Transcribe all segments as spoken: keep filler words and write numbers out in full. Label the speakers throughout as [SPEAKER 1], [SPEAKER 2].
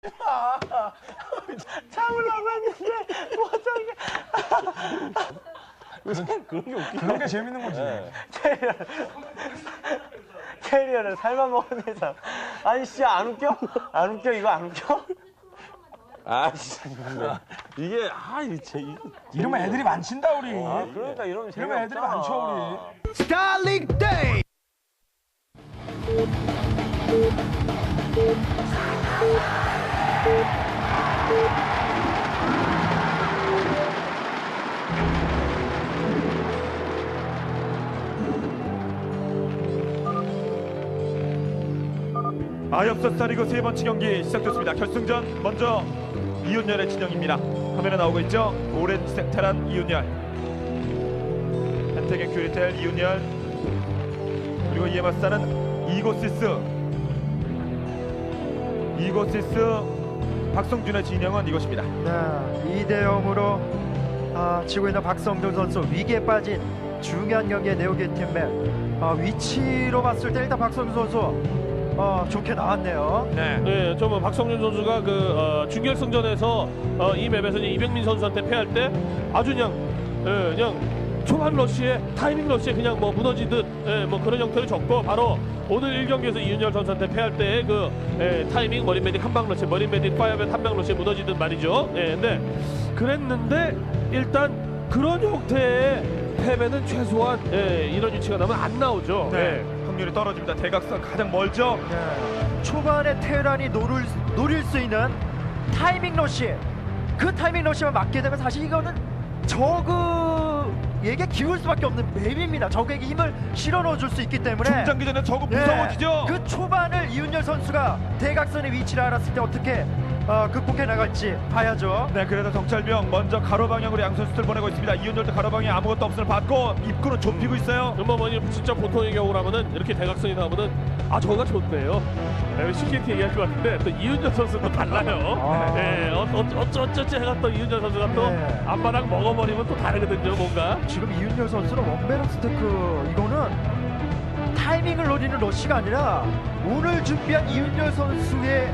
[SPEAKER 1] 참으려고 했는데 못하게.
[SPEAKER 2] 그런 게 웃기죠.
[SPEAKER 3] 그런 게 재밌는 거지.
[SPEAKER 2] 네.
[SPEAKER 1] 캐리어를 캐리어를 살만 먹은 이상. 아니 진짜 안 웃겨? 안 웃겨? 이거 안 웃겨?
[SPEAKER 2] 아 진짜 근데 이게 아 이제 이
[SPEAKER 3] 이러면 애들이 많친다 우리.
[SPEAKER 1] 아, 그러니까 이러면
[SPEAKER 3] 이러면 애들이 많죠 우리.
[SPEAKER 4] 스타링 데이.
[SPEAKER 5] 아엽서 스타리그 세 번째 경기 시작됐습니다. 결승전 먼저 이윤열의 진영입니다. 화면에 나오고 있죠. 오렌지 색탈한 이윤열, 한태경 큐리텔 이윤열, 그리고 이에 맞서는 이고시스 이고시스 박성준의 진영은 이것입니다.
[SPEAKER 4] 네, 이 대 영으로 아, 지고 있는 박성준 선수 위기에 빠진 중요한 경기의 네오게이팀의 아, 위치로 봤을 때 일단 박성준 선수 어, 좋게 나왔네요.
[SPEAKER 5] 네.
[SPEAKER 2] 네, 좀 박성준 선수가 그 어, 준결승전에서 어, 이 맵에서 이병민 선수한테 패할 때 아주 그냥 예, 그냥 초반 러시에 타이밍 러시에 그냥 뭐 무너지듯 예, 뭐 그런 형태를 줬고 바로 오늘 일 경기에서 이윤열 선수한테 패할 때의 그 예, 타이밍 머린 메딕 한방 러시 머린 메딕 파이어맨 한방 러시에 무너지듯 말이죠. 예, 근데 그랬는데 일단 그런 형태의 패배는 최소한 예, 이런 위치가 나면 안 나오죠.
[SPEAKER 5] 네.
[SPEAKER 2] 예.
[SPEAKER 5] 확률이 떨어집니다. 대각선 가장 멀죠.
[SPEAKER 4] 네. 초반에 테란이 노릴, 노릴 수 있는 타이밍 러시, 그 타이밍 러시만 맞게 되면 사실 이거는 저그에게 기울 수밖에 없는 맵입니다. 적에게 힘을 실어 넣어줄 수 있기 때문에
[SPEAKER 5] 중장기전에 저거
[SPEAKER 4] 네,
[SPEAKER 5] 무서워지죠.
[SPEAKER 4] 그 초반을 이윤열 선수가 대각선의 위치를 알았을 때 어떻게 어, 극복해 나갈지 봐야죠.
[SPEAKER 5] 네, 그래도 정찰병 먼저 가로 방향으로 양 선수들 보내고 있습니다. 이윤열도 가로 방향 아무것도 없음을 받고 입구는 좁히고 있어요.
[SPEAKER 2] 뭐, 뭐 진짜 보통의 경우라면은 이렇게 대각선이 나오면은 아 저거가 좋네요. 네, 쉽게 이렇게 얘기할 것 같은데 또 이윤열 선수도 달라요.
[SPEAKER 4] 아.
[SPEAKER 2] 네, 어, 어, 어쩌 어쩌지 해가 또 이윤열 선수가 또
[SPEAKER 4] 네.
[SPEAKER 2] 앞바닥 먹어버리면 또 다르거든요, 뭔가.
[SPEAKER 4] 지금 이윤열 선수는 원베럭 스테크 이거는 타이밍을 노리는 러시가 아니라 오늘 준비한 이윤열 선수의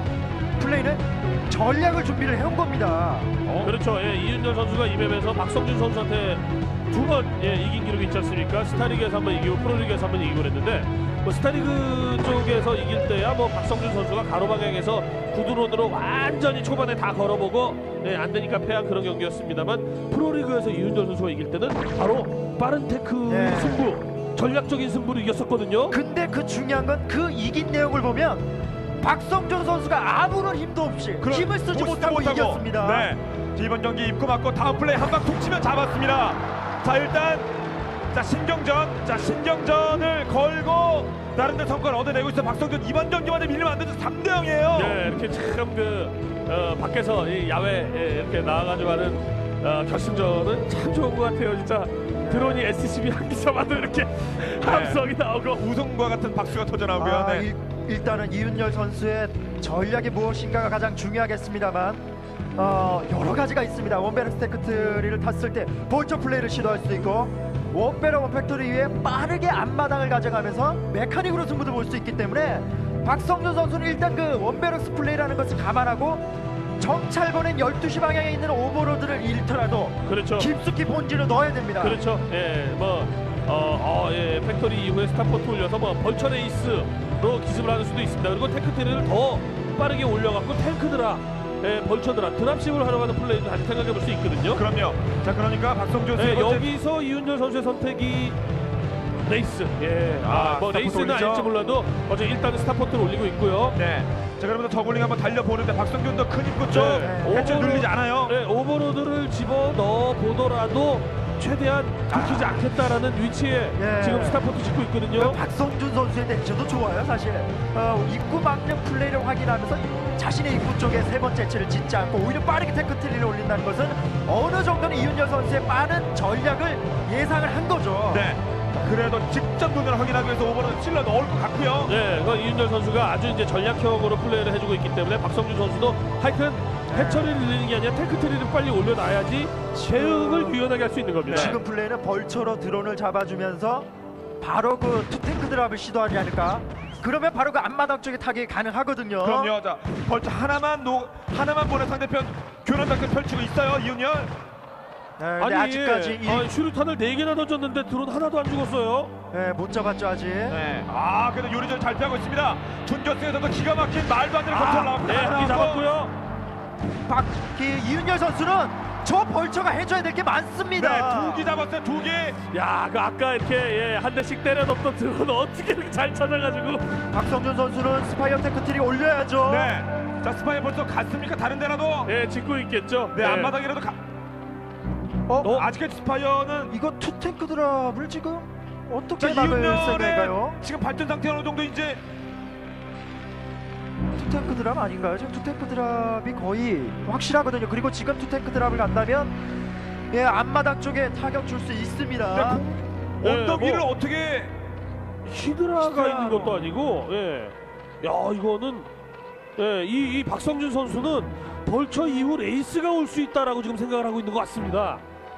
[SPEAKER 4] 플레이는 전략을 준비를 해온 겁니다.
[SPEAKER 2] 어? 그렇죠. 예, 이윤열 선수가 이 맵에서 박성준 선수한테 두 번 예, 이긴 기록이 있지 않습니까? 스타리그에서 한 번 이기고 프로리그에서 한 번 이기고 그랬는데 뭐 스타리그 쪽에서 이길 때야 뭐 박성준 선수가 가로 방향에서 구드론으로 완전히 초반에 다 걸어보고 예, 안 되니까 패한 그런 경기였습니다만 프로리그에서 이윤열 선수가 이길 때는 바로 빠른 테크의
[SPEAKER 4] 네.
[SPEAKER 2] 승부, 전략적인 승부를 이겼었거든요.
[SPEAKER 4] 근데 그 중요한 건 그 이긴 내용을 보면 박성준 선수가 아무런 힘도 없이
[SPEAKER 5] 그런-
[SPEAKER 4] 힘을 쓰지
[SPEAKER 5] 못-
[SPEAKER 4] 못하고,
[SPEAKER 5] 못하고.
[SPEAKER 4] 이겼습니다.
[SPEAKER 5] 네. 자, 이번 경기 입고 맞고 다음 플레이 한 방 툭 치면 잡았습니다. 자, 일단 자 신경전, 자 신경전을 걸고 나름대로 성과를 얻어내고 있어. 박성준 이번 경기만에 밀리면 안 되죠. 삼 대 영이에요.
[SPEAKER 2] 네, 이렇게 참 그 어, 밖에서 이 야외 예, 이렇게 나와가지고 하는 어, 결승전은 참 좋은 것 같아요, 진짜. 드론이 에스씨비 한 기서마도 이렇게 함성이 나오고
[SPEAKER 5] 우승과 같은 박수가 터져나오고요.
[SPEAKER 4] 아,
[SPEAKER 5] 네.
[SPEAKER 4] 일, 일단은 이윤열 선수의 전략이 무엇인가가 가장 중요하겠습니다만 어, 여러 가지가 있습니다. 원베럭 스테크트리를 탔을 때 볼처 플레이를 시도할 수도 있고 원베럭 원팩토리 위에 빠르게 앞마당을 가져가면서 메카닉으로 승부도 볼 수 있기 때문에 박성준 선수는 일단 그 원베럭스 플레이라는 것을 감안하고 정찰번엔 열두 시 방향에 있는 오버로드를 잃더라도
[SPEAKER 2] 그렇죠.
[SPEAKER 4] 깊숙이 본진을 넣어야 됩니다.
[SPEAKER 2] 그렇죠. 예, 뭐 어, 어, 예, 팩토리 이후에 스타포트 올려서 뭐 벌처 레이스로 기습을 하는 수도 있습니다. 그리고 테크트리를 더 빠르게 올려갖고 탱크드라, 예, 벌처드라, 드랍십을 하러 가는 플레이도 다시 생각해 볼 수 있거든요.
[SPEAKER 5] 그럼요. 자, 그러니까 박성준
[SPEAKER 2] 예,
[SPEAKER 5] 세 번째
[SPEAKER 2] 여기서 이윤열 선수의 선택이 레이스. 예,
[SPEAKER 5] 아,
[SPEAKER 2] 아, 뭐
[SPEAKER 5] 스타포트
[SPEAKER 2] 레이스는
[SPEAKER 5] 올리죠?
[SPEAKER 2] 아닐지 몰라도 어제 일단은 스타포트를 올리고 있고요.
[SPEAKER 5] 네. 자, 그러면서 저글링 한번 달려보는데 박성준도 큰 입구 쪽
[SPEAKER 2] 네.
[SPEAKER 5] 해체
[SPEAKER 2] 오버로-
[SPEAKER 5] 눌리지 않아요.
[SPEAKER 2] 네, 오버로드를 집어 넣어 보더라도 최대한 들키지 않겠다라는 위치에
[SPEAKER 4] 예.
[SPEAKER 2] 지금 스타포트 짓고 있거든요.
[SPEAKER 4] 박성준 선수의 대처도 좋아요, 사실. 어, 입구 막는 플레이를 확인하면서 자신의 입구 쪽에 세 번째 채를 짓지 않고 오히려 빠르게 테크트리를 올린다는 것은 어느 정도는 이윤열 선수의 빠른 전략을 예상을 한 거죠.
[SPEAKER 5] 네. 그래도 직접 눈으로 확인하기 위해서 오버로드 찔러 넣을 것 같고요.
[SPEAKER 2] 네, 그 이윤열 선수가 아주 이제 전략형으로 플레이를 해주고 있기 때문에 박성준 선수도 하여튼 해처리를 늘리는 게 아니라 테크트리를 빨리 올려놔야지 대응을 유연하게 할 수 있는 겁니다.
[SPEAKER 4] 지금 플레이는 벌처로 드론을 잡아주면서 바로 그 투탱크 드랍을 시도하지 않을까 그러면 바로 그 앞마당 쪽에 타격이 가능하거든요.
[SPEAKER 5] 그럼요. 자, 벌써 하나만 노 하나만 보내 상대편 교란 작전 펼치고 있어요. 이윤열.
[SPEAKER 4] 네, 근데 아직까지 이,
[SPEAKER 2] 아니, 슈루탄을 네 개나 던졌는데 드론 하나도 안 죽었어요.
[SPEAKER 4] 네, 못 잡았죠 아직.
[SPEAKER 5] 네. 아, 그래도 요리전 잘 피하고 있습니다. 준결승에서도 기가 막힌 말도 안 되는
[SPEAKER 4] 아,
[SPEAKER 5] 컨트롤 나왔고
[SPEAKER 2] 네, 한 개 잡았고요.
[SPEAKER 4] 박기 이윤열 선수는 저 벌처가 해줘야 될 게 많습니다.
[SPEAKER 5] 네, 두 개 잡았어요. 두 개.
[SPEAKER 2] 야, 그 아까 이렇게 예, 한 대씩 때려놓던 드론 어떻게 이렇게 잘 찾아가지고.
[SPEAKER 4] 박성준 선수는 스파이어 테크트리 올려야죠.
[SPEAKER 5] 네. 자, 스파이 벌써 갔습니까? 다른 데라도.
[SPEAKER 2] 예, 짓고 있겠죠.
[SPEAKER 5] 네,
[SPEAKER 2] 예.
[SPEAKER 5] 앞마당이라도 가.
[SPEAKER 4] 어?
[SPEAKER 5] 어? 아직까지 스파이어는
[SPEAKER 4] 이거 투탱크 드랍을 지금
[SPEAKER 5] 자,
[SPEAKER 4] 어떻게 막을
[SPEAKER 5] 이윤열의
[SPEAKER 4] 생각인가요?
[SPEAKER 5] 지금 발전 상태 어느 정도 이제
[SPEAKER 4] 투탱크 드랍 아닌가요? 지금 투탱크 드랍이 거의 확실하거든요. 그리고 지금 투탱크 드랍을 간다면 예, 앞마당 쪽에 타격 줄 수 있습니다.
[SPEAKER 2] 네,
[SPEAKER 5] 언덕
[SPEAKER 2] 뭐-
[SPEAKER 5] 위를 어떻게
[SPEAKER 2] 히드라가
[SPEAKER 4] 히드라.
[SPEAKER 2] 있는 것도 아니고, 예. 야, 이거는, 예, 이, 이 박성준 선수는 벌처 이후 레이스가 올 수 있다라고 지금 생각을 하고 있는 것 같습니다.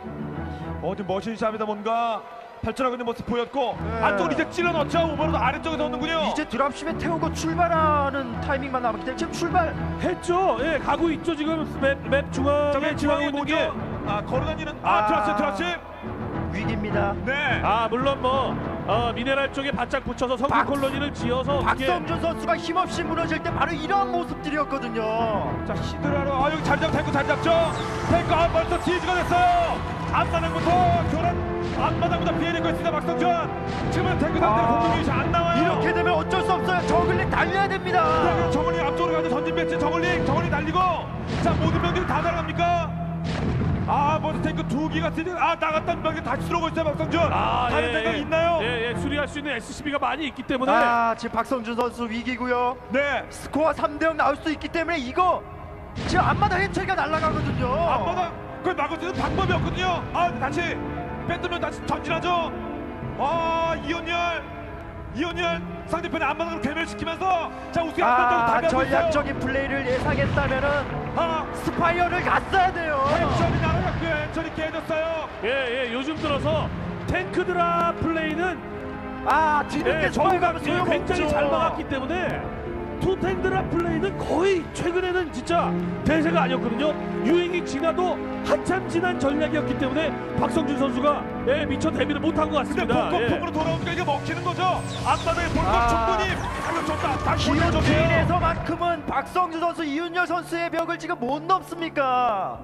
[SPEAKER 5] 어디 머신샵에다 뭔가 발전하고 있는 모습 보였고
[SPEAKER 4] 네.
[SPEAKER 5] 안쪽으로 이제 찔러 넣죠. 오버로드 아래쪽에서 넣는군요.
[SPEAKER 4] 이제 드랍십에 태우고 출발하는 타이밍만 남았기 때문에 지금 출발
[SPEAKER 2] 했죠? 예, 가고 있죠. 지금 맵, 맵
[SPEAKER 5] 자,
[SPEAKER 2] 중앙에
[SPEAKER 5] 맨
[SPEAKER 2] 지나고
[SPEAKER 5] 중앙에
[SPEAKER 2] 있는 게.
[SPEAKER 5] 뭐죠? 아, 걸어다니는 아,
[SPEAKER 4] 아.
[SPEAKER 5] 트러치 트러치.
[SPEAKER 4] 위기입니다.
[SPEAKER 5] 네.
[SPEAKER 2] 아, 물론 뭐, 어, 미네랄 쪽에 바짝 붙여서 성공
[SPEAKER 4] 박-
[SPEAKER 2] 콜로니를 지어서. 어떻게-
[SPEAKER 4] 박성준 선수가 힘없이 무너질 때 바로 이런 모습들이었거든요.
[SPEAKER 5] 자, 히드라로 아 여기 잘 잡, 탱크 잘 잡죠. 탱크 아, 벌써 시즈가 됐어요. 앞마당부터 교란 앞마당보다 피해내고 있습니다. 박성준. 지금은 탱크 상태로
[SPEAKER 4] 아.
[SPEAKER 5] 공격이 잘 안 나와요.
[SPEAKER 4] 이렇게 되면 어쩔 수 없어요. 저글링 달려야 됩니다.
[SPEAKER 5] 그러면 정원이 앞쪽으로 가죠. 전진 배치 정원링 정원이 달리고 자 모든 병들이 다 날아갑니까? 아 먼저 탱크 두 기가 드디어 아 나갔던 병이 다시 들어오고 있어요. 박성준.
[SPEAKER 2] 아,
[SPEAKER 5] 다른
[SPEAKER 2] 예,
[SPEAKER 5] 생각
[SPEAKER 2] 예.
[SPEAKER 5] 있나요?
[SPEAKER 2] 예, 예, 수리할 수 있는 에스씨비가 많이 있기 때문에.
[SPEAKER 4] 아, 지금 박성준 선수 위기고요.
[SPEAKER 5] 네.
[SPEAKER 4] 스코어 삼 대 영 나올 수 있기 때문에 이거 지금 앞마당 해처리가 날아가거든요.
[SPEAKER 5] 앞마당 그걸 막을 수 있는 방법이 없거든요. 아 다시 뺏으면 다시 전진하죠. 아 이윤열 이윤열 상대편의 앞마당으로 괴멸시키면서 자 우승 앞마당으로
[SPEAKER 4] 아,
[SPEAKER 5] 다가가고 있어요.
[SPEAKER 4] 전략적인 플레이를 예상했다면은
[SPEAKER 5] 아
[SPEAKER 4] 스파이어를 갔어야 돼요.
[SPEAKER 5] 해철이 날아갔고요. 해철이 깨졌어요.
[SPEAKER 2] 예, 예, 요즘 들어서 탱크 드랍 플레이는
[SPEAKER 4] 아, 뒤늦게
[SPEAKER 2] 예,
[SPEAKER 4] 저기 가면
[SPEAKER 2] 예,
[SPEAKER 4] 소용없죠.
[SPEAKER 2] 굉장히 잘 막았기 때문에 투탱 드랍 플레이는 거의 최근에는 진짜 대세가 아니었거든요. 유행이 지나도 한참 지난 전략이었기 때문에 박성준 선수가 예, 미처 대비를 못한 것
[SPEAKER 5] 근데
[SPEAKER 2] 같습니다. 예.
[SPEAKER 5] 본격적으로 돌아오니까 이게 먹히는 거죠. 앞마당에 볼것
[SPEAKER 4] 아.
[SPEAKER 5] 충분히 방금 좋다. 다시 올려줘요.
[SPEAKER 4] 기온에서만큼은 박성준 선수, 이윤열 선수의 벽을 지금 못 넘습니까?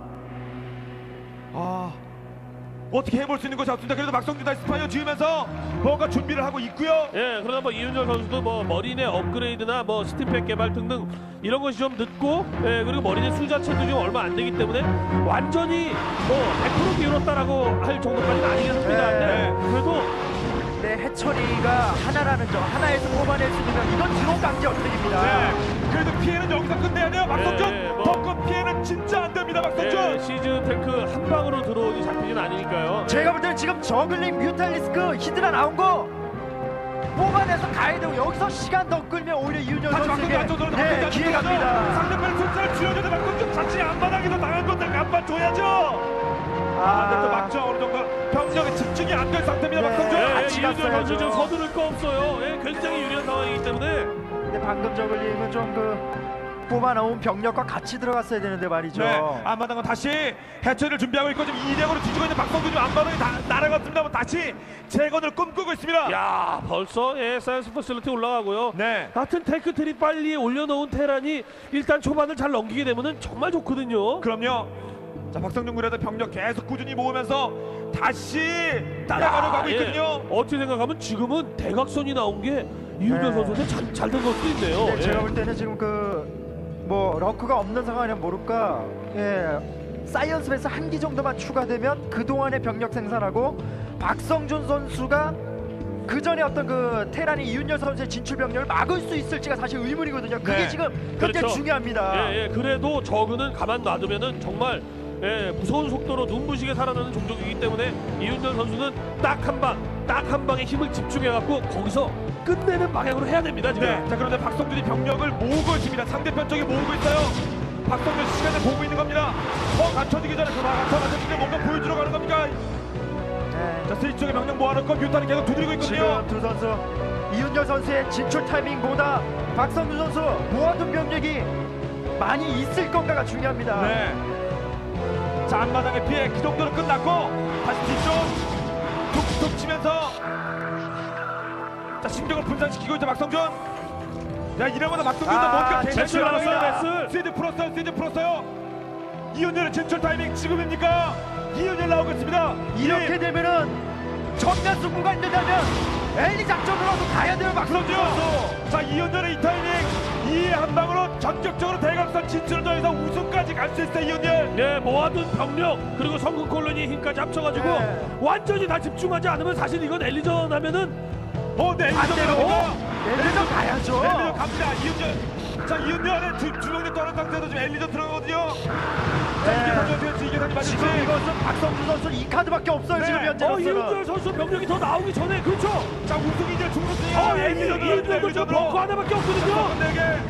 [SPEAKER 5] 아 어떻게 해볼 수 있는 것이 없습니다. 그래도 박성준 다시 스파이어 지으면서 뭔가 준비를 하고 있고요.
[SPEAKER 2] 예, 그러나 뭐 이윤열 선수도 뭐 머리내 업그레이드나 뭐 스팀팩 개발 등등 이런 것이 좀 늦고, 예, 그리고 머리내 수 자체도 지금 얼마 안 되기 때문에 완전히 뭐 백 퍼센트 기울었다라고 할 정도까지는 아니겠습니다.
[SPEAKER 4] 네.
[SPEAKER 2] 네, 그래도
[SPEAKER 4] 네, 해처리가 하나라는 점, 하나에서 뽑아낼 수 있는 이건 드론 강제 어택입니다.
[SPEAKER 5] 네. 그래도 피해는 여기서 끝내야 돼요. 박성준.
[SPEAKER 2] 네, 뭐.
[SPEAKER 5] 덩컨 피해는 진짜 안 됩니다. 박성준.
[SPEAKER 2] 예, 시즌 탱크 한 방으로 들어오니 잡히진 않으니까요.
[SPEAKER 4] 제가 볼 때는 지금 저글링 뮤탈리스크 히드라 나온 거 뽑아내서 가야 되고 여기서 시간 더 끌면 오히려 이윤열
[SPEAKER 5] 다시 박성준
[SPEAKER 4] 선수에게
[SPEAKER 5] 안쪽으로
[SPEAKER 4] 네, 기회 갑니다.
[SPEAKER 5] 상대편 숫자를 줄여줘도 박성준 자칫 앞바닥에서 당한 건데 안만 줘야죠. 아, 근데 또 막죠. 어느 정도 병력에 집중이 안 된 상태입니다.
[SPEAKER 4] 네.
[SPEAKER 5] 박성준.
[SPEAKER 2] 예, 예,
[SPEAKER 4] 같이
[SPEAKER 2] 이윤열 선수
[SPEAKER 4] 갔어야죠.
[SPEAKER 2] 지금 서두를 거 없어요. 예, 굉장히 유리한 상황이기 때문에.
[SPEAKER 4] 근데 방금 저글링은 좀 그 뽑아놓은 병력과 같이 들어갔어야 되는데 말이죠.
[SPEAKER 5] 네, 앞마당은 다시 해처리를 준비하고 있고 지금 이 대으로 뒤지고 있는 박성준 지금 앞마당이 다 날아갔습니다만 다시 재건을 꿈꾸고 있습니다.
[SPEAKER 2] 야, 벌써 예, 사이언스 퍼실리티 올라가고요.
[SPEAKER 5] 네.
[SPEAKER 2] 같은 테크 트리 빨리 올려놓은 테란이 일단 초반을 잘 넘기게 되면은 정말 좋거든요.
[SPEAKER 5] 그럼요. 자 박성준 군에도 병력 계속 꾸준히 모으면서 다시 따라가려 가고
[SPEAKER 2] 예,
[SPEAKER 5] 있거든요.
[SPEAKER 2] 어떻게 생각하면 지금은 대각선이 나온 게 이윤열
[SPEAKER 4] 네.
[SPEAKER 2] 선수한테 잘된 걸 수도 있네요.
[SPEAKER 4] 네,
[SPEAKER 2] 예.
[SPEAKER 4] 제가 볼 때는 지금 그 뭐 러크가 없는 상황이면 모를까 예 사이언스 베이스 한 기 정도만 추가되면 그동안의 병력 생산하고 박성준 선수가 그 전에 어떤 그 테란이 이윤열 선수의 진출 병력을 막을 수 있을지가 사실 의문이거든요. 그게
[SPEAKER 5] 네.
[SPEAKER 4] 지금 굉장히
[SPEAKER 2] 그렇죠.
[SPEAKER 4] 중요합니다.
[SPEAKER 2] 예, 예, 그래도 저그는 가만 놔두면은 정말 예, 무서운 속도로 눈부시게 살아나는 종족이기 때문에 이윤열 선수는 딱 한 방, 딱 한 방에 힘을 집중해갖고 거기서 끝내는 방향으로 해야 됩니다. 지금.
[SPEAKER 5] 네. 자 그런데 박성준이 병력을 모으고 있습니다. 상대편 쪽에 모으고 있어요. 박성준 시간을 보고 있는 겁니다. 더 갖춰지기 전에 그 갖춰 맞춰지게 뭔가 보여주러 가는 겁니까?
[SPEAKER 4] 네.
[SPEAKER 5] 자 스위치 쪽에 병력 모아놓고 뮤탄이 계속 두드리고 있거든요.
[SPEAKER 4] 지금 두 선수 이윤열 선수의 진출 타이밍보다 박성준 선수 모아둔 병력이 많이 있을 건가가 중요합니다.
[SPEAKER 5] 네. 자, 앞마당의 피해 그 정도로 끝났고 다시 뒤쪽 툭툭 치면서 자, 심정을 분산시키고 있죠 박성준. 야, 이러면 박성준도
[SPEAKER 4] 아,
[SPEAKER 5] 뭔가
[SPEAKER 4] 제출
[SPEAKER 5] 제출
[SPEAKER 2] 나왔어요,
[SPEAKER 5] 나왔어요.
[SPEAKER 2] 제출.
[SPEAKER 5] 시즈 풀었어요. 시즈 풀었어요. 이윤열의 진출 타이밍 지금입니까? 이윤열 나오고 있습니다.
[SPEAKER 4] 이렇게
[SPEAKER 5] 이-
[SPEAKER 4] 되면은 전면 승부가 있는다면 엘리 작전으로도 가야 돼요 박성준 선수.
[SPEAKER 5] 그렇죠. 자, 이윤열의 이 타이밍 이 한 방으로 전격적으로 대각선 진출을 더해서 우승까지 갈 수 있어요 이윤열.
[SPEAKER 2] 네, 모아둔 병력 그리고 성군 콜로니의 힘까지 합쳐가지고
[SPEAKER 4] 네.
[SPEAKER 2] 완전히 다 집중하지 않으면 사실 이건 엘리전 하면은
[SPEAKER 5] 어, 네,
[SPEAKER 4] 반대로
[SPEAKER 5] 엘리전
[SPEAKER 4] 엘리전 가야죠.
[SPEAKER 5] 엘리전 갑니다. 이윤열. 자, 이윤열의 두, 두 명이 떠난 상태에서 지금 엘리전 들어가거든요. 자, 이게
[SPEAKER 4] 네.
[SPEAKER 5] 어떻게 이게 다시 맞을지.
[SPEAKER 4] 지금 이것은 박성준 선수 이 카드밖에 없어요.
[SPEAKER 5] 네.
[SPEAKER 4] 지금
[SPEAKER 2] 어,
[SPEAKER 4] 현재로서는.
[SPEAKER 2] 이윤열 선수 병력이 더 나오기 전에 그렇죠.
[SPEAKER 5] 자, 우승이죠. 중우승이.
[SPEAKER 2] 어, 엘리전 이윤열도 지금 벙커 하나밖에 없거든요.
[SPEAKER 5] 네.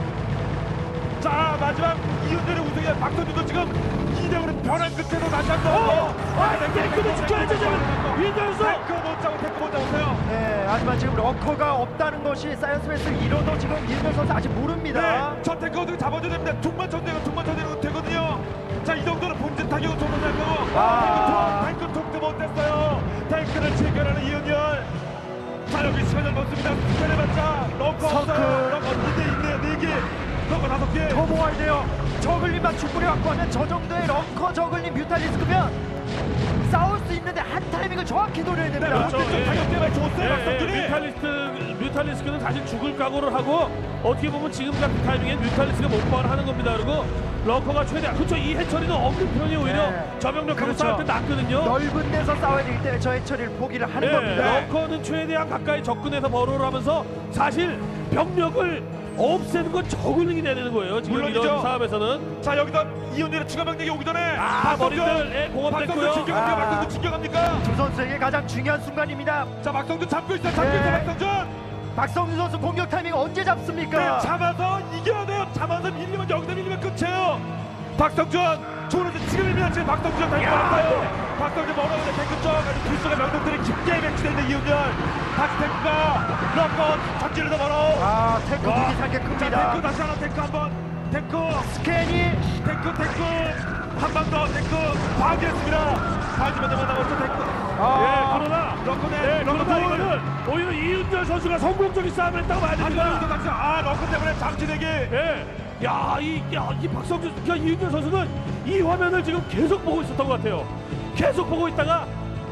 [SPEAKER 5] 자, 마지막 이윤열의 우승이야. 박선준도 지금 이 대 오로 변한 끝에서 다시 한 번.
[SPEAKER 2] 어, 아, 탱크도 지켜야죠 지금. 이윤열 선수.
[SPEAKER 5] 탱크 못 잡고 탱크 못 잡으세요.
[SPEAKER 4] 네, 하지만 지금 러커가 없다는 것이 사이언스 베이스를 이뤄도 지금 이윤열 선수 아직 모릅니다.
[SPEAKER 5] 네, 저 탱크 어떻게 잡아줘야 됩니다. tum만 쳐내고 tum만 쳐내고 되거든요. 자, 이 정도는 본진 타격은 조금 날 거고.
[SPEAKER 4] 아.
[SPEAKER 5] 탱크 통, 탱크 통도 못했어요. 탱크를 체결하는 이윤열. 자, 여기 시간을 넣습니다. 스펠해봤자 러커
[SPEAKER 4] 서클.
[SPEAKER 5] 없어요. 러커 이 대 있네요. 네 개. 러커 다섯 개.
[SPEAKER 4] 더 모아야 돼요. 저글링만 충분히 갖고 하면 저 정도의 런커 저글링 뮤탈리스크면 싸울 수 있는데 한 타이밍을 정확히 노려야 됩니다.
[SPEAKER 2] 그렇죠.
[SPEAKER 5] 본진 쪽
[SPEAKER 2] 예.
[SPEAKER 5] 타격 때문에 줬어요.
[SPEAKER 2] 예,
[SPEAKER 5] 박성준이.
[SPEAKER 2] 예, 뮤탈리스트 뮤탈리스크는 사실 죽을 각오를 하고 어떻게 보면 지금 같은 타이밍에 뮤탈리스크가 못발을 하는 겁니다. 그리고 러커가 최대한 그렇죠. 이 해처리는 없는 편이 오히려
[SPEAKER 4] 네.
[SPEAKER 2] 저병력하고
[SPEAKER 4] 그렇죠.
[SPEAKER 2] 싸울 때 낫거든요.
[SPEAKER 4] 넓은 데서 싸워야 되기 때문에 저 해처리를 포기를 하는
[SPEAKER 2] 예,
[SPEAKER 4] 겁니다.
[SPEAKER 2] 러커는 최대한 가까이 접근해서 버로를 하면서 사실 병력을 없애는 건 저글링이 돼야 되는 거예요. 지금
[SPEAKER 5] 물론이죠.
[SPEAKER 2] 이런 사업에서는
[SPEAKER 5] 자, 여기서 이윤열의 추가 병력이 오기 전에
[SPEAKER 2] 아, 머리들 예, 공업됐고요.
[SPEAKER 5] 박성준 진격합니까?
[SPEAKER 4] 아.
[SPEAKER 5] 박성준 진격합니까?
[SPEAKER 4] 두 선수에게 가장 중요한 순간입니다.
[SPEAKER 5] 자, 박성준 잡고 있어요. 잡고
[SPEAKER 4] 네.
[SPEAKER 5] 있어요. 박성준.
[SPEAKER 4] 박성준 선수 공격 타이밍 언제 잡습니까?
[SPEAKER 5] 네, 잡아서 이겨야 돼요. 잡아서 밀리면 여기서 밀리면 끝이에요. 박성준 조르지 지금 밀면 지금 박성준 다시 멀었어요. 박성준 멀어오는데 탱크 쪽 아주 불속의 명동들이 깊게 배치되는 이윤열. 다시 탱크가 럭커 전진을 더 멀어.
[SPEAKER 4] 아, 탱크
[SPEAKER 5] 와.
[SPEAKER 4] 두기 상계
[SPEAKER 5] 자,
[SPEAKER 4] 큽니다.
[SPEAKER 5] 탱크 다시 하나 탱크 한번 탱크
[SPEAKER 4] 스캔이
[SPEAKER 5] 탱크 탱크 한 방 더 탱크 파괴했습니다. 파괴만 더 남았죠 탱크.
[SPEAKER 2] 예, 그러나
[SPEAKER 5] 럭커네
[SPEAKER 2] 예,
[SPEAKER 5] 럭커
[SPEAKER 2] 그러나
[SPEAKER 5] 둘.
[SPEAKER 2] 이거는 오히려 이윤열 선수가 성공적인 싸움을 했다고 봐야 됩니다.
[SPEAKER 5] 아, 럭커 때문에 잠시대기.
[SPEAKER 2] 예. 야, 이, 야, 이 박성준, 야, 이윤열 선수는 이 화면을 지금 계속 보고 있었던 것 같아요. 계속 보고 있다가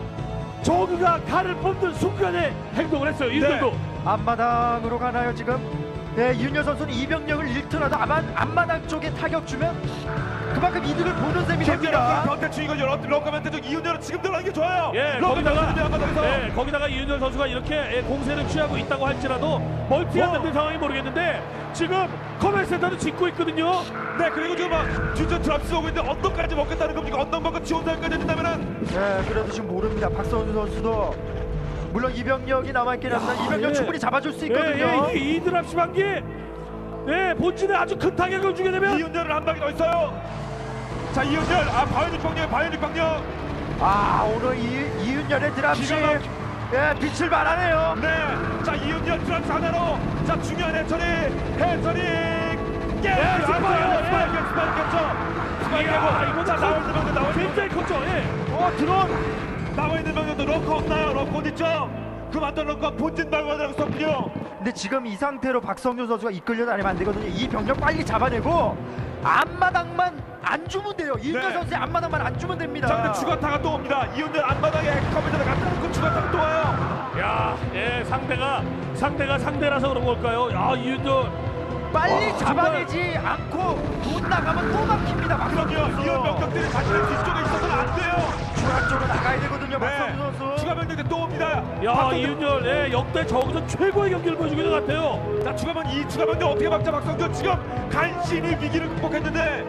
[SPEAKER 2] 저그가 칼을 뽑는 순간에 행동을 했어요. 이윤열도.
[SPEAKER 4] 앞마당으로 가나요 지금? 네, 이윤열 선수는 이병력을 잃더라도 아마 앞마당 쪽에 타격 주면 그만큼 이득을 보는 셈이 됩니다.
[SPEAKER 5] 변태 주인공 럭커 변태적 이윤열은 지금 들어가는 게 좋아요.
[SPEAKER 2] 예,
[SPEAKER 5] 럭커
[SPEAKER 2] 거기다가,
[SPEAKER 5] 변태적 한마당에서.
[SPEAKER 2] 예, 거기다가 이윤열 선수가 이렇게 예, 공세를 취하고 있다고 할지라도 멀티가
[SPEAKER 5] 어.
[SPEAKER 2] 안 되는 상황이 모르겠는데 지금 커맨 센터도 짓고 있거든요.
[SPEAKER 5] 네, 그리고 지금 막 뒤쪽 드랍스 오고 있는데 언덕까지 먹겠다는 겁니까? 언덕 먹고 지원사까지 된다면은
[SPEAKER 4] 네, 그래도 지금 모릅니다. 박성준 선수도 물론 이병력이 남아있긴 합니다. 이병력
[SPEAKER 2] 예.
[SPEAKER 4] 충분히 잡아줄 수 있거든요.
[SPEAKER 2] 예, 예, 이, 이 드랍 시반기 네, 본진에 아주 큰 타격을 주게 되면
[SPEAKER 5] 이윤열을 한 방이 더 있어요. 자, 이윤열, 아 바이오닉 방력, 바이오닉 방력.
[SPEAKER 4] 아, 오늘 이, 이윤열의 드랍시
[SPEAKER 5] 기가 막-
[SPEAKER 4] 예, 빛을 발하네요.
[SPEAKER 5] 네, 자 이윤열 드랍스 하나로 자 중요한 해처리, 해처리 깨.
[SPEAKER 2] 예, 스파이어, 예.
[SPEAKER 5] 스파이어, 스파이어, 스파이어.
[SPEAKER 2] 이야, 이거
[SPEAKER 5] 자 나와 있는 방금 나와 있는
[SPEAKER 2] 굉장히 컸죠. 예.
[SPEAKER 5] 어 드론 나와 있는 방금도 럭커 없나요? 럭커 어디 있죠? 그 만든 럭커 본진 방어하라고 썼군요.
[SPEAKER 4] 근데 지금 이 상태로 박성준 선수가 이끌려 다니면 안 되거든요. 이 병력 빨리 잡아내고 앞마당만 안 주면 돼요. 이윤열
[SPEAKER 5] 네.
[SPEAKER 4] 선수의 앞마당만 안 주면 됩니다.
[SPEAKER 5] 자 근데 추가타가 또 옵니다. 이윤열 앞바닥에 컴퓨터를 갖다 놓고 추가타가 또 와요.
[SPEAKER 2] 야, 예, 상대가 상대가 상대라서 그런 걸까요? 야, 이윤열
[SPEAKER 4] 빨리
[SPEAKER 2] 와,
[SPEAKER 4] 잡아내지 않고 돈 나가면 또 막힙니다. 박성준
[SPEAKER 5] 그럼요.
[SPEAKER 4] 선수.
[SPEAKER 5] 이윤 병력들이 자신의 뒤쪽에 있어서는 안 돼요.
[SPEAKER 4] 중앙 쪽으로 나가야 되거든요.
[SPEAKER 5] 네.
[SPEAKER 4] 박성준 선수.
[SPEAKER 5] 추가 병력들 또 옵니다.
[SPEAKER 2] 야,
[SPEAKER 5] 박성준.
[SPEAKER 2] 이윤열 예, 역대 저기서 최고의 경기를 보여주고 있는 것 같아요.
[SPEAKER 5] 자 추가면 이 추가면도 어떻게 막자 박성준 지금 간신히 위기를 극복했는데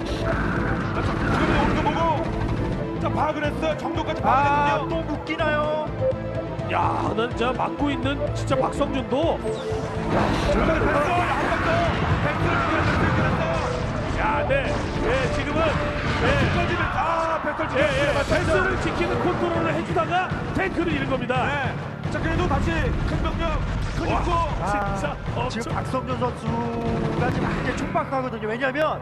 [SPEAKER 5] 자 추가면 오는 거 보고 자 파악을 했어요. 정도까지
[SPEAKER 4] 아,
[SPEAKER 5] 파악을
[SPEAKER 4] 또 묶이나요?
[SPEAKER 2] 야, 난 진짜 막고 있는 진짜 박성준도
[SPEAKER 5] 했는데요. 중간에 뺐어. 한방더 팩트를 지켜냈어요.
[SPEAKER 2] 야, 네, 예, 지금은 예,
[SPEAKER 5] 던지면 아 팩트를
[SPEAKER 2] 예, 예,
[SPEAKER 5] 지켜냈어요.
[SPEAKER 2] 패스를 지키는 컨트롤을 해주다가 탱크를 잃은 겁니다.
[SPEAKER 5] 네. 자 그래도 다시 큰 병력 큰 입구.
[SPEAKER 4] 아,
[SPEAKER 2] 진짜 엄청-
[SPEAKER 4] 지금 박성준 선수가 지금 굉장히 촉박하거든요. 왜냐하면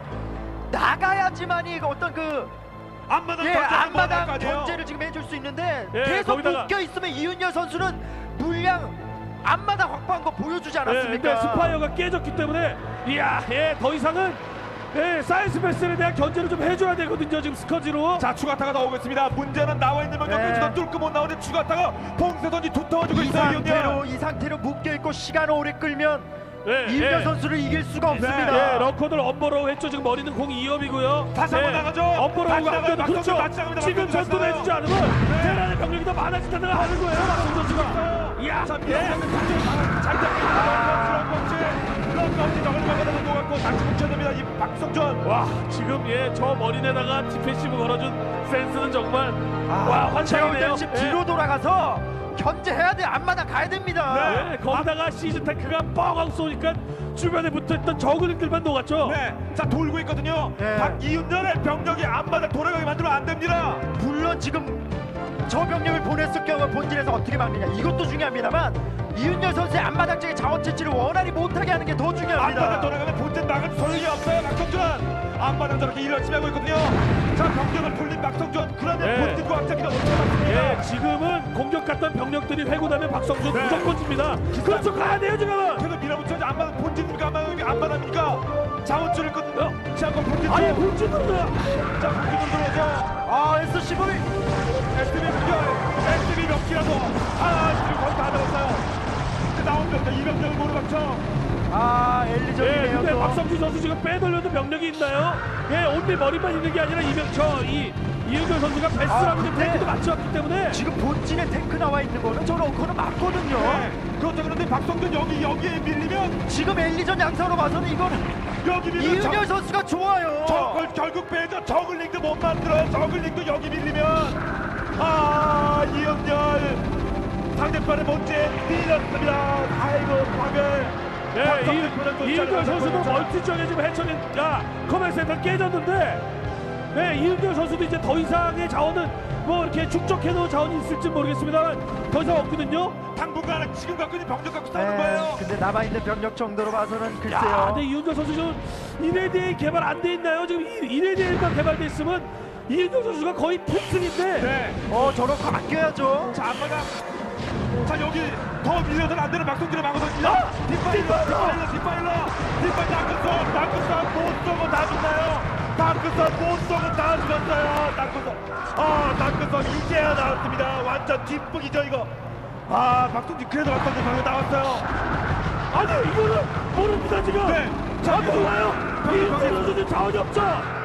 [SPEAKER 4] 나가야지만이 어떤 그
[SPEAKER 5] 앞마당
[SPEAKER 4] 예,
[SPEAKER 5] 견제를
[SPEAKER 4] 앞마당
[SPEAKER 5] 못할 거 아니에요?
[SPEAKER 4] 견제를 지금 해줄 수 있는데
[SPEAKER 2] 예,
[SPEAKER 4] 계속
[SPEAKER 2] 거기다가-
[SPEAKER 4] 묶여 있으면 이윤열 선수는 물량 앞마당 확보한 거 보여주지
[SPEAKER 2] 예, 근데
[SPEAKER 4] 않았습니까?
[SPEAKER 2] 스파이어가 깨졌기 때문에 이야, 예, 더 이상은 예, 사이언스 베스에 대한 견제를 좀 해줘야 되거든요. 지금 스커지로.
[SPEAKER 5] 자 추가타가 나오겠습니다. 문제는 나와 있는 명령까지
[SPEAKER 4] 네.
[SPEAKER 5] 더 뚫고 못 나오는데 추가타가 봉쇄선이 두터워지고
[SPEAKER 4] 이
[SPEAKER 5] 있어요. 이윤열.
[SPEAKER 4] 상태로 이 상태로 묶여 있고 시간 오래 끌면
[SPEAKER 2] 예,
[SPEAKER 4] 이윤열
[SPEAKER 2] 예.
[SPEAKER 4] 선수를 이길 수가 없습니다.
[SPEAKER 2] 예, 러커들 엄버로우 했죠. 지금 머리는 공 이 업이고요.
[SPEAKER 5] 다시 한번 나가죠.
[SPEAKER 2] 엄버로우가
[SPEAKER 5] 다시 나가요.
[SPEAKER 2] 안돼도
[SPEAKER 5] 박성준
[SPEAKER 2] 그렇죠.
[SPEAKER 5] 다시 나갑니다.
[SPEAKER 2] 지금
[SPEAKER 5] 박성준
[SPEAKER 2] 전투를
[SPEAKER 5] 다시
[SPEAKER 2] 해주지
[SPEAKER 5] 나가요.
[SPEAKER 2] 않으면
[SPEAKER 5] 네.
[SPEAKER 2] 테란의 병력이 더 많아진다는 걸 하는 거예요. 박성준 선수가. 이야,
[SPEAKER 5] 자
[SPEAKER 2] 예.
[SPEAKER 5] 밀어내는 장전 잘 잡힙니다. 런치 런치 저걸 막아내는 것 같고 다시 뭉쳐야 됩니다. 이 박성준.
[SPEAKER 2] 와, 지금 예, 저 머리에다가 디펜시브 걸어준 센스는 정말 와,
[SPEAKER 4] 제가
[SPEAKER 2] 환상이네요.
[SPEAKER 4] 볼때 지금 뒤로 돌아가서 견제해야 돼. 앞마당 가야 됩니다.
[SPEAKER 2] 예, 거기다가 시즈 탱크가 뻥 하고 쏘니까 주변에 붙어있던 저그들만 녹았죠.
[SPEAKER 5] 네, 자 돌고 있거든요.
[SPEAKER 4] 네.
[SPEAKER 5] 박이윤열의 병력이 앞마다 돌아가게 만들면 안 됩니다.
[SPEAKER 4] 물론 지금 저 병력을 보냈을 경우 본진에서 어떻게 막느냐 이것도 중요합니다만 이윤열 선수의 앞마당 쪽의 자원 채취를 원활히 못하게 하는 게 더
[SPEAKER 5] 앞마다
[SPEAKER 4] 중요합니다.
[SPEAKER 5] 돌아가면 본진 나갈 소용이 없어요. 박성준 앞마당 저렇게 일 열심히 하고 있거든요. 자 병력을 돌린 박성준 그러면
[SPEAKER 2] 네.
[SPEAKER 5] 본진과 확장기가 어떻게 맞습니까?
[SPEAKER 2] 예, 지금은 공격 갔던 병력들이 회고나면 박성준
[SPEAKER 5] 네.
[SPEAKER 2] 무조건 집니다. 그렇죠, 가야 돼요 지금은.
[SPEAKER 5] 계속 밀어붙여야지 앞마당 본진입니까? 앞마당 앞마당입니까? 자원줄을 끊어. 자 한번 본진 쪽.
[SPEAKER 2] 아예 본진으로.
[SPEAKER 5] 자 본진으로 들어오죠.
[SPEAKER 4] 아 에스씨브이
[SPEAKER 5] 에스티비 공격. 에스티비 몇 기라도. 아 지금 거의 다 들었어요. 나온 병력 이 병력을 모두 맞춰.
[SPEAKER 4] 아
[SPEAKER 2] 예,
[SPEAKER 4] 엘리전이네요.
[SPEAKER 2] 근데
[SPEAKER 4] 또.
[SPEAKER 2] 박성준 선수 지금 빼돌려도 병력이 있나요? 예, 온리 머리만 있는 게 아니라 이명 저이 이은결 선수가 베스트라는
[SPEAKER 4] 아, 근데-
[SPEAKER 2] 탱크도 맞춰왔기 때문에.
[SPEAKER 4] 지금 본진에 탱크 나와 있는 거는 저 러커는 맞거든요.
[SPEAKER 5] 네. 그렇죠. 그런데 박성준 여기 여기에 밀리면
[SPEAKER 4] 지금 엘리전 양상으로 봐서는 이거는
[SPEAKER 5] 여기 밀리면
[SPEAKER 4] 이윤열 선수가 좋아요.
[SPEAKER 5] 저걸 결국 빼죠. 저글링도 못 만들어요. 저글링도 여기 밀리면 아 이은열 상대편의 본진 밀렸습니다. 아이고 박을.
[SPEAKER 2] 예, 이은결 선수도 멀티 쪽에 지금 해처린 야 커맨 센터 깨졌는데. 네, 이은결 선수도 이제 더 이상의 자원은 뭐 이렇게 축적해놓은 자원이 있을지 모르겠습니다만 더 이상 없거든요.
[SPEAKER 5] 당분간 지금 갖고 있는 병력 갖고 싸우는
[SPEAKER 4] 네,
[SPEAKER 5] 거예요.
[SPEAKER 4] 근데 남아있는 병력 정도로 봐서는
[SPEAKER 2] 야,
[SPEAKER 4] 글쎄요.
[SPEAKER 2] 근데 이은결 선수 지금 이레디에 개발 안 돼 있나요? 지금 이레디에만 개발돼 있으면 이은결 선수가 거의 필승인데.
[SPEAKER 5] 네.
[SPEAKER 4] 어 저런 거 아껴야죠.
[SPEAKER 5] 자 앞마당. 자 여기 더 밀려서는 안 되는 박성준의 방어선입니다.
[SPEAKER 2] 아!
[SPEAKER 5] 뒷파일러, 뒷파일러, 뒷파일러, 뒷파일 다크선, 다크선 못 쏘고 다 죽나요? 다크선 못 쏘고 다 죽었어요. 다크선. 아 다크선 이제야 나왔습니다. 완전 뒷북이죠 이거. 아 박성준 그래도 박성준 방금 나왔어요.
[SPEAKER 2] 아니 이거는 모릅니다 지금.
[SPEAKER 5] 네.
[SPEAKER 2] 자 몰라요. 이은결 선수는 자원이 없죠.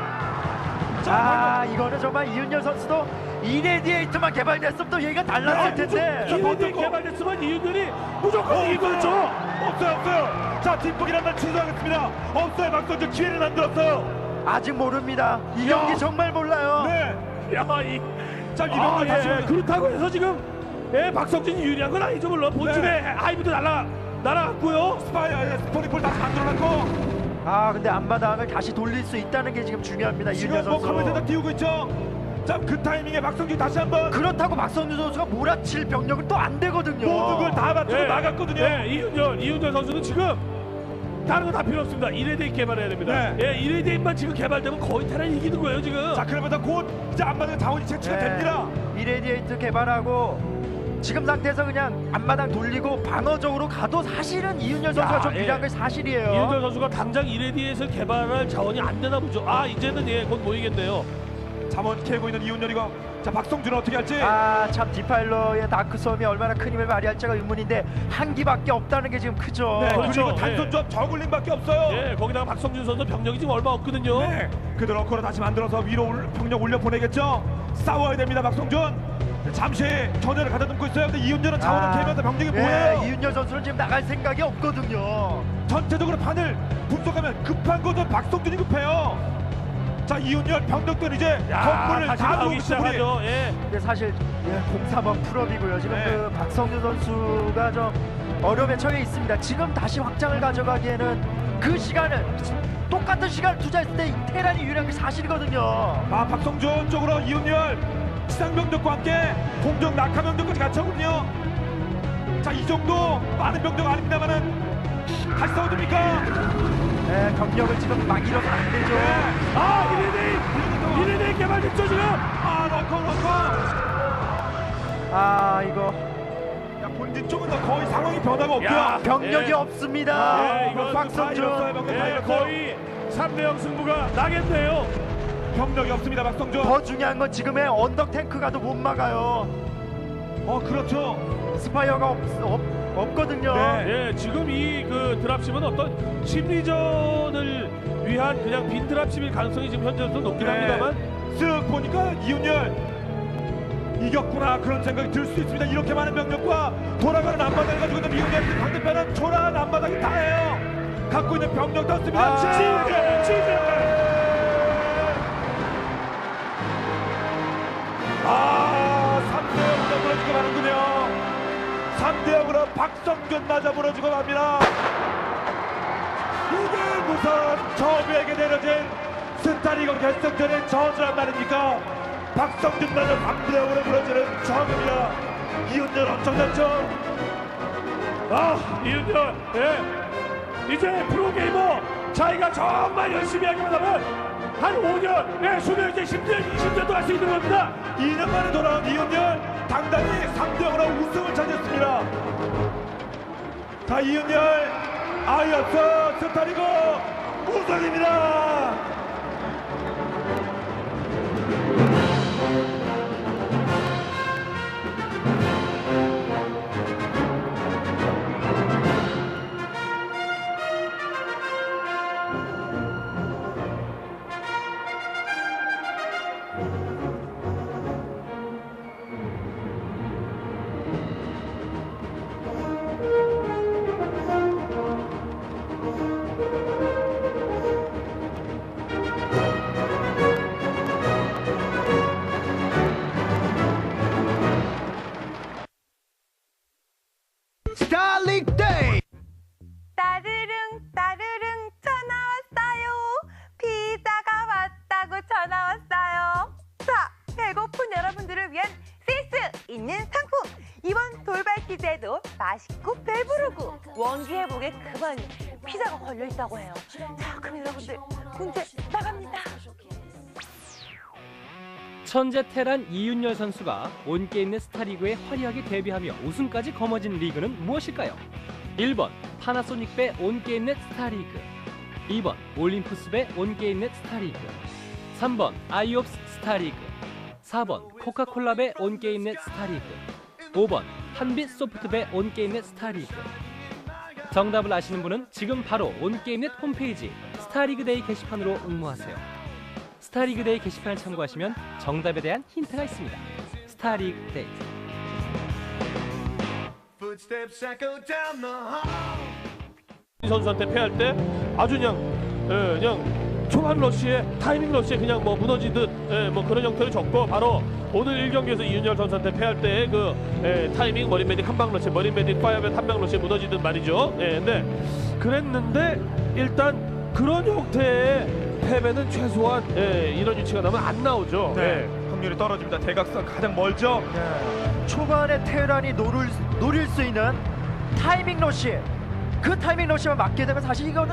[SPEAKER 4] 아 이거는 정말 이윤열 선수도 이레디에이트만 개발됐으면 또 얘기가 달랐을 텐데.
[SPEAKER 2] 이레디에 개발됐으면 이은결이 무조건 이길 거죠.
[SPEAKER 5] 없어요 없어요. 자 뒷북이란 말 취소하겠습니다. 없어요 박성준 기회를 만들었어요.
[SPEAKER 4] 아직 모릅니다. 이
[SPEAKER 5] 야.
[SPEAKER 4] 경기 정말 몰라요.
[SPEAKER 5] 네.
[SPEAKER 2] 야, 이
[SPEAKER 5] 자
[SPEAKER 2] 아,
[SPEAKER 5] 이병헌 다시
[SPEAKER 2] 예, 그렇다고 해서 지금 예, 박성준이 유리한 건 아니죠 물론 본진에 하이브도 날아 날아갔고요.
[SPEAKER 5] 스파이 스포니폴 다시 만들어놨고
[SPEAKER 4] 아 근데 앞마당을 다시 돌릴 수 있다는 게 지금 중요합니다.
[SPEAKER 5] 지금
[SPEAKER 4] 이윤열
[SPEAKER 5] 뭐
[SPEAKER 4] 선수.
[SPEAKER 5] 커맨드다 띄우고 있죠. 자 그 타이밍에 박성준 다시 한번
[SPEAKER 4] 그렇다고 박성준 선수가 몰아칠 병력은 또 안 되거든요.
[SPEAKER 5] 모든 걸 다 맞추고
[SPEAKER 2] 예,
[SPEAKER 5] 나갔거든요.
[SPEAKER 2] 예, 이윤열 이윤열 선수는 지금 다른 거 다 필요 없습니다. 이레디에 개발해야 됩니다.
[SPEAKER 5] 네.
[SPEAKER 2] 예, 이레디에만 지금 개발되면 거의 테란 이기는 거예요 지금.
[SPEAKER 5] 자 그러면서 곧 이제 앞마당 자원이 채취가
[SPEAKER 4] 네.
[SPEAKER 5] 됩니다.
[SPEAKER 4] 이레디에이트 개발하고 지금 상태에서 그냥 앞마당 돌리고 방어적으로 가도 사실은 이윤열 선수가
[SPEAKER 2] 야,
[SPEAKER 4] 좀
[SPEAKER 2] 예.
[SPEAKER 4] 유리한 게 사실이에요.
[SPEAKER 2] 이윤열 선수가 당장 이레디에서 개발할 자원이 안 되나 보죠. 아 이제는 예, 곧 모이겠네요.
[SPEAKER 5] 잠원 캐고 있는 이윤열이고 자 박성준은 어떻게 할지.
[SPEAKER 4] 아 참 디파일러의 다크섬이 얼마나 큰 힘을 발휘할지가 의문인데 한 기밖에 없다는 게 지금 크죠.
[SPEAKER 5] 네
[SPEAKER 2] 그렇죠.
[SPEAKER 5] 그리고 단선 조합 저글링밖에 없어요.
[SPEAKER 2] 예, 거기다가 박성준 선수 병력이 지금 얼마 없거든요.
[SPEAKER 5] 네, 그들 어커로 다시 만들어서 위로 올- 병력 올려 보내겠죠. 싸워야 됩니다, 박성준. 잠시 전열을 가다듬고 있어요. 근데 이윤열은 자원을 캐면서 병력이
[SPEAKER 4] 예,
[SPEAKER 5] 모여요.
[SPEAKER 4] 이윤열 선수는 지금 나갈 생각이 없거든요.
[SPEAKER 5] 전체적으로 판을 분석하면 급한 것은 박성준이 급해요. 자, 이윤열 병력들 이제
[SPEAKER 2] 야,
[SPEAKER 5] 건물을
[SPEAKER 2] 다시
[SPEAKER 5] 다
[SPEAKER 2] 나오기
[SPEAKER 5] 놓고
[SPEAKER 2] 시작하죠. 예.
[SPEAKER 4] 근데 사실 예, 공삼번 풀업이고요. 지금
[SPEAKER 5] 네.
[SPEAKER 4] 그 박성준 선수가 좀 어려움에 처해 있습니다. 지금 다시 확장을 가져가기에는 그 시간을 똑같은 시간을 투자했을 때 테란이 유리한 게 사실이거든요.
[SPEAKER 5] 아, 박성준 쪽으로 이윤열 지상 병력과 함께 공정 낙하 병력까지 같이 하거든요. 자, 자, 이 정도 많은 병력 아닙니다만은 다시 싸워줍니까?
[SPEAKER 4] 네, 병력을 지금 막 잃어서 안 되죠.
[SPEAKER 2] 아 이레네 이레네 개발됐죠 지금.
[SPEAKER 5] 아, 넣고 넣고.
[SPEAKER 4] 아, 이거
[SPEAKER 5] 야, 본진 쪽은 더 거의 상황이 변화가 없고요.
[SPEAKER 2] 야,
[SPEAKER 4] 병력이
[SPEAKER 2] 예.
[SPEAKER 4] 없습니다.
[SPEAKER 2] 예, 이거
[SPEAKER 4] 박성준.
[SPEAKER 2] 예, 거의 삼 대 영 승부가 나겠네요.
[SPEAKER 5] 병력이 없습니다, 박성준.
[SPEAKER 4] 더 중요한 건 지금의 언덕 탱크가도 못 막아요.
[SPEAKER 5] 어, 그렇죠.
[SPEAKER 4] 스파이어가 없, 없, 없거든요.
[SPEAKER 5] 네.
[SPEAKER 2] 예, 지금 이 그 드랍십은 어떤 심리전을 위한 그냥 빈 드랍십일 가능성이 지금 현재로서 높긴
[SPEAKER 5] 네.
[SPEAKER 2] 합니다만
[SPEAKER 5] 쓱 보니까 이윤열 이겼구나 그런 생각이 들 수 있습니다. 이렇게 많은 병력과 돌아가는 앞바닥을 가지고 있는 이윤열 상대편은 초라한 앞바닥이 다예요. 갖고 있는 병력도 없습니다.
[SPEAKER 4] 아,
[SPEAKER 2] 지금 지금
[SPEAKER 5] 아, 삼 대 영으로 무너지고 마는군요. 삼 대 영으로 박성균 맞아 무너지고 맙니다. 이게 무슨 저그에게 내려진 스타리그 결승전의 저주란 말입니까? 박성균 맞아 삼 대 영으로 무너지는 저그입니다. 이윤열 엄청났죠?
[SPEAKER 2] 아 이윤열 예 이제 프로게이머 자기가 정말 열심히 하기만 하면 한 오 년 예 수명 이제 십 년 이십 년도 할 수 있는 겁니다.
[SPEAKER 5] 이 년 만에 돌아온 이윤열 당당히 삼 대 영으로 우승을 차지했습니다. 자, 이윤열 아이언스 스타리그 우승입니다.
[SPEAKER 4] 스타링 데이.
[SPEAKER 6] 따르릉 따르릉 전화 왔어요. 피자가 왔다고 전화 왔어요. 자, 배고픈 여러분들을 위한 센스 있는 상품. 이번 돌발 퀴즈에도 맛있고 배부르고 원기 회복에 그만 피자가 걸려 있다고 해요. 자, 그럼 여러분들 문제 나갑니다.
[SPEAKER 7] 천재 테란 이윤열 선수가 온게임 내 스타리그에 화려하게 데뷔하며 우승까지 거머쥔 리그는 무엇일까요? 일 번 파나소닉 배 온게임 넷 스타리그, 이 번 올림푸스 배 온게임 넷 스타리그, 삼 번 아이옵스 스타리그, 사 번 코카콜라 배 온게임 넷 스타리그, 오 번 한빛 소프트 배 온게임 넷 스타리그. 정답을 아시는 분은 지금 바로 온게임 넷 홈페이지 스타리그 데이 게시판으로 응모하세요. 스타리그 데이 게시판을 참고하시면 정답에 대한 힌트가 있습니다. 스타리그 데이.
[SPEAKER 2] 이 선수한테 패할 때 아주 그냥 예, 그냥 초반 러시에 타이밍 러시에 그냥 뭐 무너지듯 예, 뭐 그런 형태를 줬고 바로 오늘 일 경기에서 이윤열 선수한테 패할 때의 그 예, 타이밍 머린 메딕 한방 러시 머린 메딕 파이어맨 한방 러시에 무너지듯 말이죠. 예, 근데 그랬는데 일단 그런 형태의 패배는 최소한 예, 이런 위치가 나면 안 나오죠.
[SPEAKER 5] 네,
[SPEAKER 2] 예.
[SPEAKER 5] 확률이 떨어집니다. 대각선 가장 멀죠.
[SPEAKER 4] 네. 초반에 테란이 노릴, 노릴 수 있는 타이밍 러시, 그 타이밍 러시만 맞게 되면 사실 이거는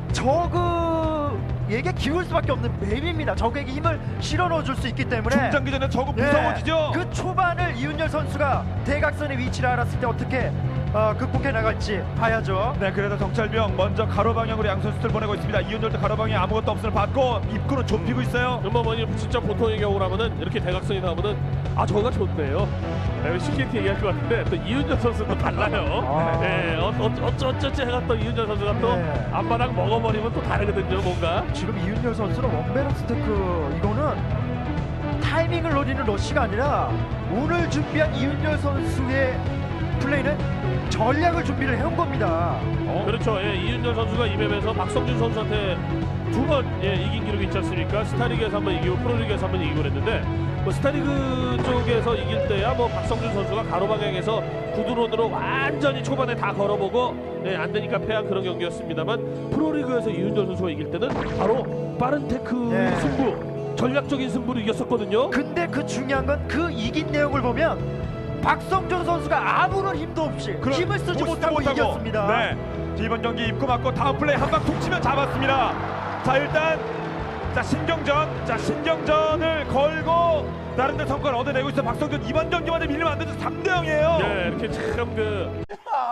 [SPEAKER 4] 저그에게 기울 수밖에 없는 맵입니다. 적에게 힘을 실어 넣어줄 수 있기 때문에
[SPEAKER 5] 중장기전에 저거
[SPEAKER 4] 네.
[SPEAKER 5] 무서워지죠.
[SPEAKER 4] 그 초반을 이윤열 선수가 대각선의 위치를 알았을 때 어떻게 어, 극복해 나갈지 봐야죠.
[SPEAKER 5] 네, 그래도 정찰병 먼저 가로 방향으로 양 선수들 보내고 있습니다. 이윤열도 가로 방향에 아무것도 없음을 받고 입구는 좁히고 있어요.
[SPEAKER 2] 그러면 뭐 진짜 보통의 경우라면은 이렇게 대각선이 나오면은 아 저거가 좋네요. 네, 쉽게 이렇게 얘기할 것 같은데 또 이윤열 선수도 달라요.
[SPEAKER 4] 아.
[SPEAKER 2] 네, 어, 어, 어쩌 어쩌지 해가 또 이윤열 선수가 또
[SPEAKER 4] 네.
[SPEAKER 2] 앞바닥 먹어버리면 또 다르거든요, 뭔가.
[SPEAKER 4] 지금 이윤열 선수는 원베럭 스테크 이거는 타이밍을 노리는 러시가 아니라 오늘 준비한 이윤열 선수의 플레이는 전략을 준비를 해온 겁니다.
[SPEAKER 2] 어? 그렇죠. 예, 이윤열 선수가 이 맵에서 박성준 선수한테 두 번 예, 이긴 기록이 있지 않습니까? 스타리그에서 한 번 이기고 프로리그에서 한 번 이기고 그랬는데 뭐 스타리그 쪽에서 이길 때야 뭐 박성준 선수가 가로 방향에서 구드론으로 완전히 초반에 다 걸어보고 예, 안 되니까 패한 그런 경기였습니다만 프로리그에서 이윤열 선수가 이길 때는 바로 빠른 테크의
[SPEAKER 4] 네.
[SPEAKER 2] 승부, 전략적인 승부를 이겼었거든요.
[SPEAKER 4] 근데 그 중요한 건 그 이긴 내용을 보면 박성준 선수가 아무런 힘도 없이
[SPEAKER 5] 그런
[SPEAKER 4] 힘을 쓰지
[SPEAKER 5] 못-
[SPEAKER 4] 못하고 이겼습니다.
[SPEAKER 5] 네. 이번 경기 입고 맞고 다음 플레이 한 방 툭 치면 잡았습니다. 자 일단 자 신경전, 자 신경전을 걸고 나름대로 성과를 얻어내고 있어. 박성준 이번 경기만에 밀리면 안 되죠. 삼 대 영이에요.
[SPEAKER 2] 네, 이렇게 참그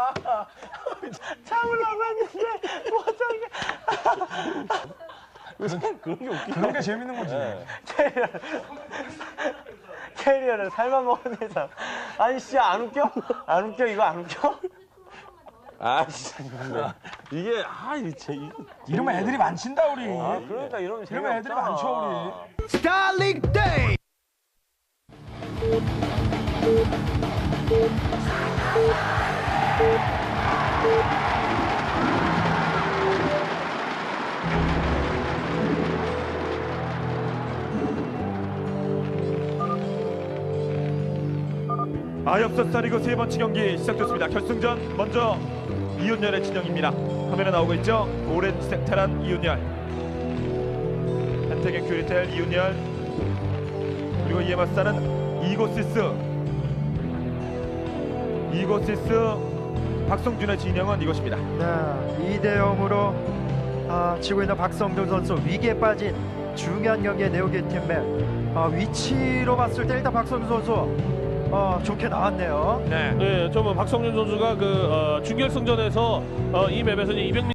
[SPEAKER 1] 참으려고 했는데 못하게. 그런 게 웃기지.
[SPEAKER 3] 그런 게 재밌는 거지.
[SPEAKER 1] 캐리어를 캐리어를 살만 먹은 이상. 아니 씨 안 웃겨? 안 웃겨 이거 안 웃겨? 아 진짜 근데 이게 아 이게 제 이-
[SPEAKER 3] 이러면 애들이 많친다 우리.
[SPEAKER 1] 아 그러니까 이러면
[SPEAKER 3] 이러면 애들이
[SPEAKER 1] 재미없잖아.
[SPEAKER 3] 많죠 우리.
[SPEAKER 4] 스타링 데이.
[SPEAKER 5] 아엽서 스타리그 세 번째 경기 시작됐습니다. 결승전 먼저 이윤열의 진영입니다. 화면에 나오고 있죠. 오렌지 색탈한 이윤열, 한태경 큐리텔 이윤열, 그리고 이에 맞서는 이고시스 이고시스 박성준의 진영은 이것입니다.
[SPEAKER 4] 네, 이 대 영으로 아, 지고 있는 박성준 선수 위기에 빠진 중요한 경기의 네오게이팀의 아, 위치로 봤을 때 일단 박성준 선수 어, 좋게 나왔네요.
[SPEAKER 5] 네.
[SPEAKER 2] 네, 좀 박성준 선수가 그 어, 준결승전에서 어, 이 맵에서는 이백 미